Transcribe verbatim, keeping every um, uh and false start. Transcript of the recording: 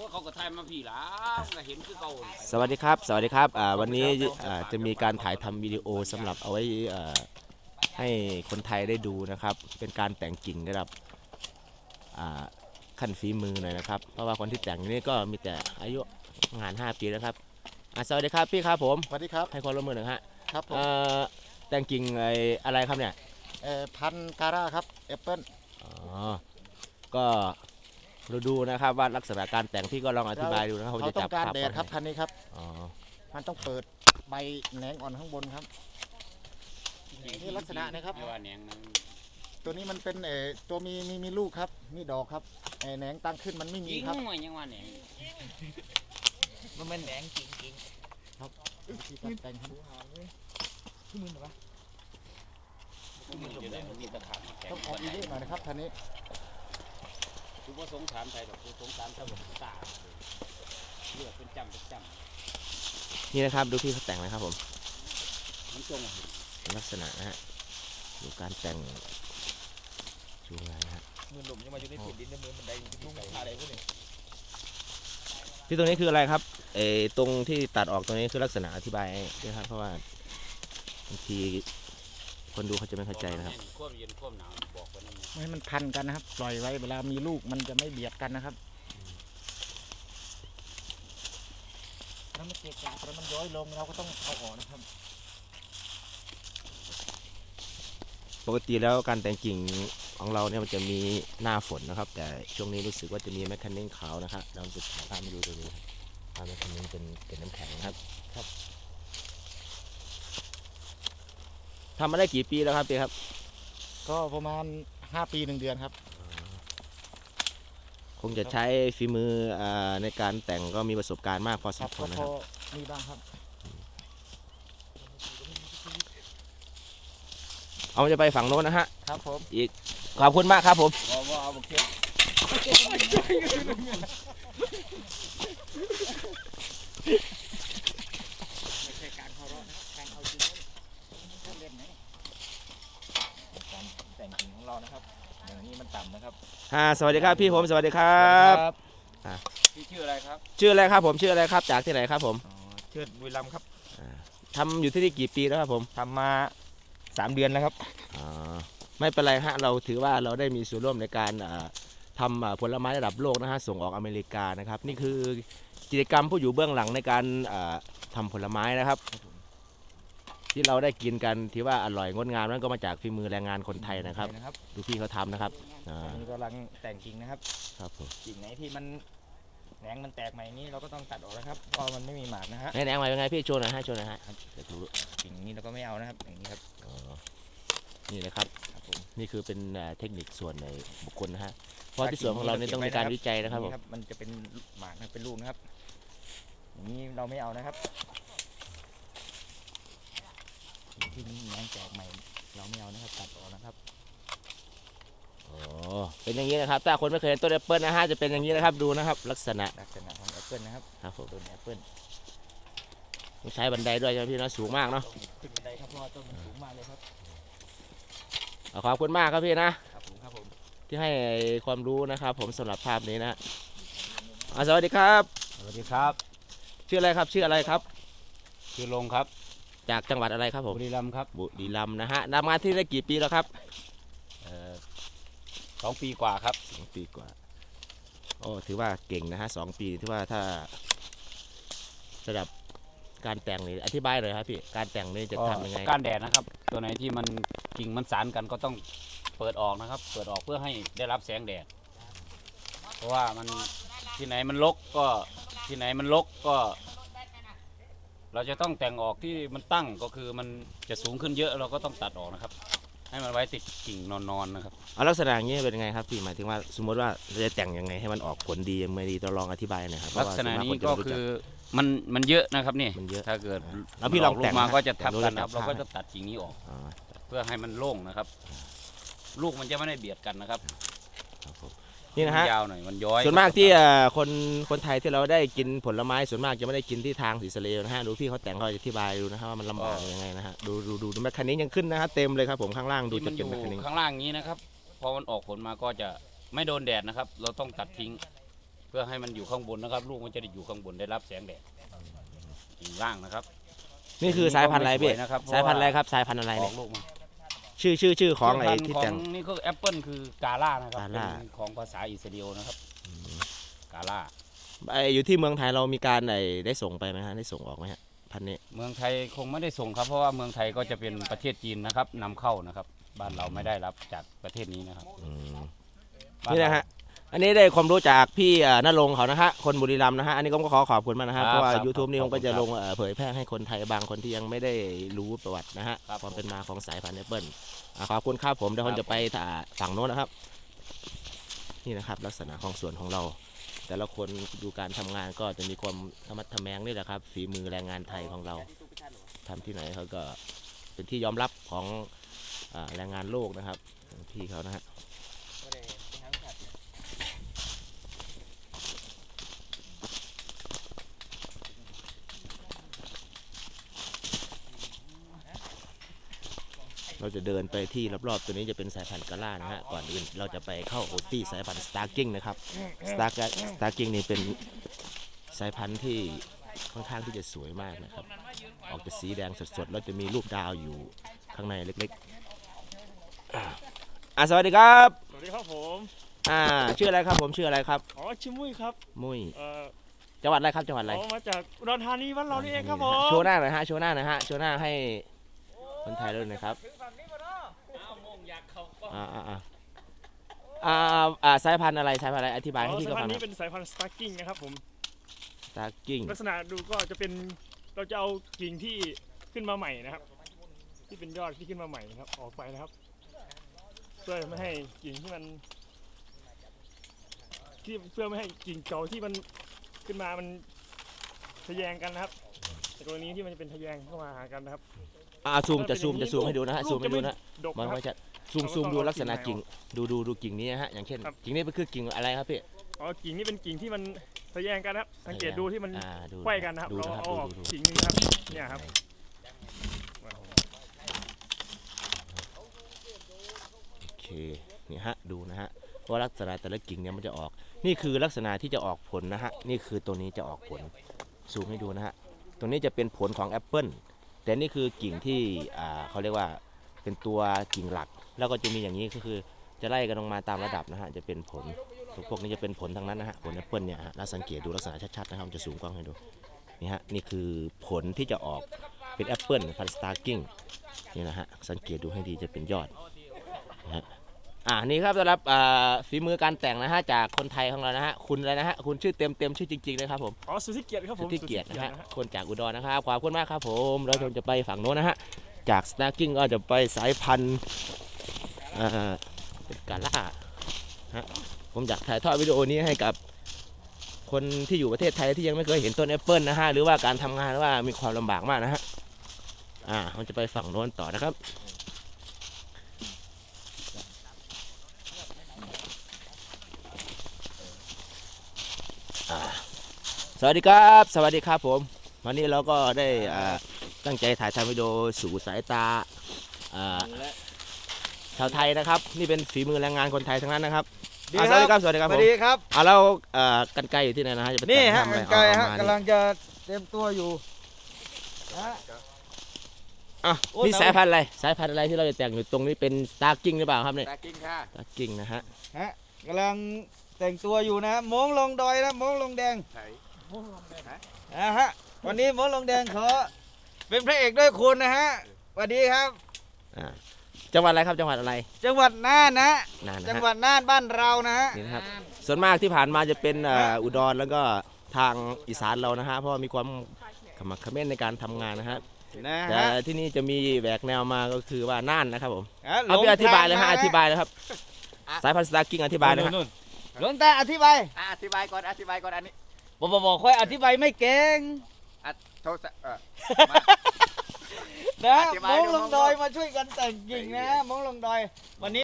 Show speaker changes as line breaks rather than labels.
เขาก็ถ่ายมาพี่หล่ะก็เห็นคือเก่า
สวัสดีครับสวัสดีครับอ่าวันนี้อ่าจะมีการถ่ายทำวิดีโอสำหรับเอาไว้อ่าให้คนไทยได้ดูนะครับเป็นการแต่งกิ่งระดับอ่าขั้นฝีมือหน่อยนะครับเพราะว่าคนที่แต่งนี่ก็มีแต่อายุงานห้าปีแล้วครับอ่าสวัสดีครับพี่ครับผม
สวัสดีครับ
ให้ความร่วมมือหน่อยฮะ
ครับผม
เอ่อแต่งกิ่งไอ้อะไรครับเนี่ย
เอ่อพันธุ์การ่าครับแอปเปิล
อ๋อก็เราดูนะครับว่าลักษณะการแต่งพี่ก็ลองอธิบายดูนะครับผม
เขา
จะ
ต้อ
จับ
งการ
ภาพ
แดดครับพันธุ์นี้ครับ
อ๋อ
มันต้องเปิดใบแหนงอ่อนข้างบนครับ นี่ลักษณะนะครับ
ไม่ว่าแหนงนั้น
ตัวนี้มันเป็นเอ่อตัวมีมีมีลูกครับมีดอกครับเอ่อแหนงตั้งขึ้นมันไม่มี
ยิง
ครับ
มันยังว่าแหนง
มันเป็นแหนงจริงจริง
วิธีการแต่งครับ
ที่มือหรอวะ
มันอยู่ได้มันมีตะขาบแข็ง
ต้องออกเยอะๆหน่อยนะครับพันธุ์นี้
คือว่าสงสารไทยดอกคือสงสารชาวบ้านตาเลือดเป็นจำเป็นจ
นี่นะครับดูพี่เขาแต่งนะครับผม
ำมันจง
ลักษณะนะฮะดูการแต่งชูงานนะฮะ
มือหลุมยังมาอยู่ในถุนดินในมือมันได้ลุ่งอะไรพวกนี้
ที่ตรงนี้คืออะไรครับเออตรงที่ตัดออกตรงนี้คือลักษณะอธิบายด้วยครับเพราะว่าบางทีคนดูเขาจะไม่เข้าใจนะครับ
ควบเย็นควบหนาวบอกกันนั่น
ไม่ให้มันพันกันนะครับปล่อยไว้เวลามีลูกมันจะไม่เบียดกันนะครับถ้ามันเกะกะแล้วมันย้อยลงเราก็ต้องเอาออกนะครับ
ปกติแล้วการแต่งกิ่งของเราเนี่ยมันจะมีหน้าฝนนะครับ แต่ช่วงนี้รู้สึกว่าจะมีแมคคันนิ่งขาวนะครับเราจะถ่ายภาพมาดูตรงนี้ครับภาพแมคคันนิ่งเป็นเป็นน้ำแข็งนะครับครับทำมาได้กี่ปีแล้วครับพี่ครับ
ก็ประมาณห้าปีหนึ่งเดือนครับ
คงจะใช้ฝีมืออ่าในการแต่งก็มีประสบการณ์มากพอส
ครั
ม
บ
ควรนะ
พ
ค
อ
รับ
มีบ้างครับ
เอาจะไปฝั่งโน้นนะฮะ
ครับผม
อีกขอบคุณมากครับผม
ว่าว่าเอาบุกเทียบ
ไม่ใช่การเคารพนะการเอาจริงท่านเล่นไหม
การแต่งกิ่งของเรานะครับอย่างนี้มันต่ำนะครับ
อ่าสวัสดีครับพี่ผมสวัสดีครับ
พี่ชื่ออะไรครับ
ชื่ออะไรครับผมชื่ออะไรครับจากที่ไหนครับผม
อ๋อเชิดบุรีรัมย์ครับ
ทำอยู่ที่นี่กี่ปีแล้วครับผม
ทำมาสามเดือนแล้วครับ
อ่าไม่เป็นไรฮะเราถือว่าเราได้มีส่วนร่วมในการอ่าทำอ่าผลไม้ระดับโลกนะฮะส่งออกอเมริกานะครับนี่คือกิจกรรมผู้อยู่เบื้องหลังในการอ่าทำผลไม้นะครับ ที่เราได้กินกันที่ว่าอร่อยงดงามนั้นก็มาจากฝีมือแรงงานคนไทยนะครับ
นะครับ
ดูพี่เขาทำนะครับอ่า
อันนี้กำลังแต่งกิ่งนะครับ
ครับผม
กิ่งไหนที่มันแหนงมันแตกใหม่นี้เราก็ต้องตัดออกนะครับเพราะมันไม่มีหมากนะฮะ
แหนงมาเป็นไงพี่โชว์หน่อยฮะโชว์หน่อยฮะเดี๋ยวดู
กิ่งนี้เราก็ไม่เอานะครับอย่างนี้ครับ
อ๋อนี่นะครับ
ครับผม
นี่คือเป็นอ่าเทคนิคส่วนในบุคคลนะฮะเพราะที่ส่วนของเราเนี่ยต้องมีการวิจัยนะครับผม
มันจะเป็นหมากนะเป็นลูกนะครับอย่างนี้เราไม่เอานะครับที่นี้แหนงแตกใหม่เราไม่เอานะครับตัดออกนะครับ
อ๋อเป็นอย่างนี้นะครับถ้าคนไม่เคยเห็นต้นแอปเปิลนะฮะจะเป็นอย่างนี้นะครับดูนะครับลักษณะ
ลักษณะของแอปเปิลนะครับ
ครับผม
ต้นแอปเปิล
ต้องใช้บันไดด้วยใช่ไหมพี่เนาะสูงมากเนาะ
ขึ้นบันไดครับเพราะว่าต้นมันสูงมากเลยครับ
เอาขอบคุณมากครับพี่นะครับ
ผมครับผม
ที่ให้ความรู้นะครับ ผมสำหรับภาพนี้นะอ่าสวัสดีครับ
สวัสดีครับ
ชื่ออะไรครับชื่ออะไรครับ
ชื่อลงครับ
จากจังหวัดอะไรครับผม
บุรีรัมย์ครับ
บุรีรัมย์นะฮะทำงานที่ได้กี่ปีแล้วครับ
เอ่อสองปีกว่าครับ
สองปีกว่าโอ้ถือว่าเก่งนะฮะสองปีถือว่าถ้าสำหรับการแต่งนี่อธิบายหน่อยครับพี่การแต่งนี่จะทำยังไง
การแดดนะครับ ตัวไหนที่มันกิ่งมันสานกันก็ต้องเปิดออกนะครับ เปิดออกเพื่อให้ได้รับแสงแดด เพราะว่ามันที่ไหนมันรกก็ที่ไหนมันรกก็ เราจะต้องแต่งออกที่มันตั้งก็คือมันจะสูงขึ้นเยอะเราก็ต้องตัดออกนะครับ ให้มันไว้ติดกิ่งนอนๆนะครับ
เอาลักษณะอย่างนี้เป็นยังไงครับพี่หมายถึงว่าสมมติว่าเราจะแต่งยังไงให้มันออกผลดีไม่ดีต้องลองอธิบายหน่อยครับเพ
ลั
ราะ
ก
ว่า
ษณะ
ส่วมา
นี้
คจะ
ก็
ไม่รู้
คื
จั
อมันมันเยอะนะครับนี่
มันเยอะ
ถ้าเกิด
แล้วพี่ลอง
ลู
แต่
ก
ง
มา
นะ
ก็จะทับกัน
แต่
นะครับ
รู้
เรา
ระดับ
ก็จะตัดกิ่งนี้ออก
อ๋อ
เพื่อให้มันโล่งนะครับ ลูกมันจะไม่ได้เบียดกันนะครับ
ครับผมนี่นะฮะ
มัยาวหน่อยมันย้อย
ส่วนมากที่เอ่อคนคนไทยที่เราได้กินผลไม้ส่วนมากจะไม่ได้กินที่ทางสีสะเลนะฮะดูพี่เขาแต่งเขาอธิบายดูนะครับว่ามันลำบากยังไงนะฮะดูดูดูดูแมคคันนี้ยังขึ้นนะฮะเต็มเลยครับผมข้างล่างดู
ที่
จะ
มันอ
เป็น
ยู่
แมคคันนี้
ข้างล่างนี้นะครับพอมันออกผลมาก็จะไม่โดนแดดนะครับ เราต้องตัดทิ้งเพื่อให้มันอยู่ข้างบนนะครับ ลูกมันจะได้อยู่ข้างบนได้รับแสงแดดกิ่งล่างนะครับ
นี่คือสายพันธุ์อะไรพี่
ม่สวยนะครับ
สายพันธุ์อะไรครับสายพันธุ์อะไร
อ
เนี่
อย กลูกมา
ชื่อชื่อชื่อของไอ้
พันธุ์
ที่
ของ
แต่ง
นี่คือแอปเปิลคือกาล่านะครับ
กาล่า
เป็นของภาษาอิสราเอลนะครับกาล่า
ไอ้อยู่ที่เมืองไทยเรามีการไอ้ได้ส่งไปไหมฮะได้ส่งออกไหมฮะพันธุ์นี้
เมืองไทยคงไม่ได้ส่งครับเพราะว่าเมืองไทยก็จะเป็นประเทศจีนนะครับนำเข้านะครับ บ้านเราไม่ได้รับจากประเทศนี้นะครับ
อืม
บ้า
นี่
เรา
นะฮะอันนี้ได้ความรู้จากพี่เอ่อนรงค์เขานะฮะคนบุรีรัมย์นะฮะอันนี้ก็ขอขอบคุณมากนะฮะ
ครับ
เพราะว่า
ครับ
YouTube นี่
ข
ผ
อบ
ม
คุ
ก็
ณ
จะ
ครับ
ลงเอ่อเผยแพร่ให้คนไทยบางคนที่ยังไม่ได้รู้ประวัตินะฮะ
ครับ
ความเป็นมาของสายพันธุ์แอปเปิลอ่าขอบคุณครับผมเดี๋ยวผมจะไปถ่าฝั่งโน้นนะครับ นี่นะครับลักษณะของสวนของเรา แต่ละคนดูการทำงานก็จะมีความธรรมะทแมงนี่แหละครับฝีมือแรงงานไทยของเราทำที่ไหนเขาก็เป็นที่ยอมรับของอ่าแรงงานโลกนะครับพี่เขานะฮะ เราจะเดินไปที่รอบๆตัวนี้จะเป็นสายพันธุ์กาล่านะฮะก่อนอื่นเราจะไปเข้าโอตี้สายพันธุ์สตาร์กิ้งนะครับสตาร์สตาร์กิ้งนี่เป็นสายพันธุ์ที่ค่อนข้างที่จะสวยมากนะครับออกจะสีแดงสดๆแล้วจะมีรูปดาวอยู่ข้างในเล็กๆอ่าอ่ะสวัสดีครับ
สวัสดีครับผม
อ่าชื่ออะไรครับผมชื่ออะไรครับ
อ๋อชื่อมุ้ยครับ
มุ้ย
เอ่อ
จังหวัดอะไรครับจังหวัดอะไร
อ๋อมาจากอุดรธานีบ้านเรานี่เองครับผม
โชว์หน้าหน่อยฮะโชว์หน้าหน่อยฮะโชว์หน้าให้คนไทยด้วยหนะครับอ่าอ่าอ่าอ่าอ่าสายพันธุ์อะไรสายพันธุ์อะไรอธิบายให้
อ๋อ
พี่
สาย
เขา
พัน
ฟัง
ธุ์
หน่
นี้
อย
เป็นสายพันธุ์สตาร์กิ้งนะครับผม
สตาร์กิ้ง
ลักษณะดูก็จะเป็นเราจะเอากิ่งที่ขึ้นมาใหม่นะครับ ที่เป็นยอดที่ขึ้นมาใหม่นะครับออกไปนะครับ เพื่อไม่ให้กิ่งที่มันที่เพื่อไม่ให้กิ่งเก่าที่มันขึ้นมามันทะแยงกันนะครับในกรณีที่มันจะเป็นทะแยงเข้ามาหากันนะครับ
อ่าซูมจะซูมจะซูมให้ดูนะฮะ
ลู
ซู
ก
มให้ดูนะ
ดก
มัน
นะครับ
ไม่จะซูม
เราก็
ซูม
ต้อง
ดู
เอา
ลักษณะ
กิ่
กิ่ง
งใน
ดูดูดูกิ่งนี้นะฮะอย่างเช่น
ครับ
กิ่งนี้เป็นคือกิ่งอะไรครับพี่
อ๋อกิ่งนี้เป็นกิ่งที่มันทะแยงกันนะครับสังเกตดูที่มัน
อ่าดู
ไขว้กันนะครับ
ดู
เรา
นะครับ
เอาออก
ดูดูดู
กิ่งหนึงครับเนี่ยครับ
โอเคนี่ฮะดูนะฮะว่าลักษณะแต่ละกิ่งเนี่ยมันจะออก นี่คือลักษณะที่จะออกผลนะฮะนี่คือตัวนี้จะออกผลซูมให้ดูนะฮะตรงนี้จะเป็นผลของแอปเปิลแต่นี่คือกิ่งที่อ่าเขาเรียกว่าเป็นตัวกิ่งหลัก แล้วก็จะมีอย่างนี้ก็คือจะไล่กันลงมาตามระดับนะฮะจะเป็นผลพวกนี้จะเป็นผลทั้งนั้นนะฮะผลแอปเปิลเนี่ยฮะแล้วสังเกตดูลักษณะชัดๆนะครับผมจะซูมกล้องให้ดูนี่ฮะนี่คือผลที่จะออกเป็นแอปเปิลพันธุ์สตาร์กิ้งนี่นะฮะสังเกตดูให้ดีจะเป็นยอดนะฮะอ่านี่ครับสำหรับอ่าฝีมือการแต่งนะฮะจากคนไทยของเรานะฮะคุณอะไรนะฮะคุณชื่อเต็มเต็มชื่อจริงๆเลยครับผม
อ๋อสุทธิเกียรติครับผ
สุ
ม
ทธิเกียรตินะฮะ
สุทธิ
คนจากอุดรนะครับขอบคุณมากครับผมเราจะไปฝั่งโน้นนะฮะจากสตาร์กิ้งก็จะไปสายพันธุ์อ่าเป็นกาล่าฮะผมอยากถ่ายทอดวิดีโอนี้ให้กับคนที่อยู่ประเทศไทยที่ยังไม่เคยเห็นต้นแอปเปิลนะฮะหรือว่าการทำงานว่ามีความลำบากมากนะฮะอ่าเราจะไปฝั่งโน้นต่อนะครับอ่าสวัสดีครับสวัสดีครับผมวันนี้เราก็ได้อ่าตั้งใจถ่ายทำวิดีโอสู่สายตาอ่าชาวไทยนะครับนี่เป็นฝีมือแรงงานคนไทยทั้งนั้นนะครับอ่าสวัสดีครับสวัสดีครับ
ส
ผ
วั
ม
สดีครับ
อ่าเราเอ่อกันไกลอยู่ที่ไหนนะฮะจะไป
นี่ฮะ
ทำอะไร
กันไกล
เอา
ฮะ
เอามาก
ำลังจะเตรียมตัวอยู่นะฮะ
อ่ะ
โอ้ย
นี่
เรา
สายพันธุ์อะไรสายพันธุ์อะไรที่เราจะแต่งอยู่ตรงนี้เป็นสตาร์กิ้งหรือเปล่าครับเนี่ย
ตากิ้งค่ะ
สตาร์กิ้งนะฮะ
ฮะกำลังแต่งตัวอยู่นะมงลงดอยนะมงลงแดงนะฮะวันนี้มงลงแดงขอเป็นพระเอกด้วยคุณนะฮะสวัสดีครับ
อ่าจังหวัดอะไรครับจังหวัดอะไร
จังหวัดน่านนะ
นานนะ
จัง
ฮะ
หวัดน่านบ้านเรานะฮะ
นี่นะครับส่วนมากที่ผ่านมาจะเป็นเอ่ออุดรแล้วก็ทางอีสานเรานะฮะเพราะว่ามีความขมักเขม้นในการทำงานนะฮะ
นะ
แต่
ฮะ
ที่นี่จะมีแหวกแนวมาก็คือว่าน่านนะครับผม
อ่ะ
เอาไปอธิบายเลยฮะ
ห
อ
ทงม
ธิบายเลยครับสายพันธุ์สตาร์กิ้งอธิบายเลยฮะ
นู่น
หลวงตาอธิบาย
อ่ะอธิบายก่อนอธิบายก่อนอันนี้
บอกบอกบอกค่อยอธิบายไม่เก่ง
อ่ะโทรศัพท์เออ
นะ
อธิบาย
มง
ดู
ลง
มง
ดอยมาช่วยกันแต่งกิ่งนะมงลงดอยวันนี้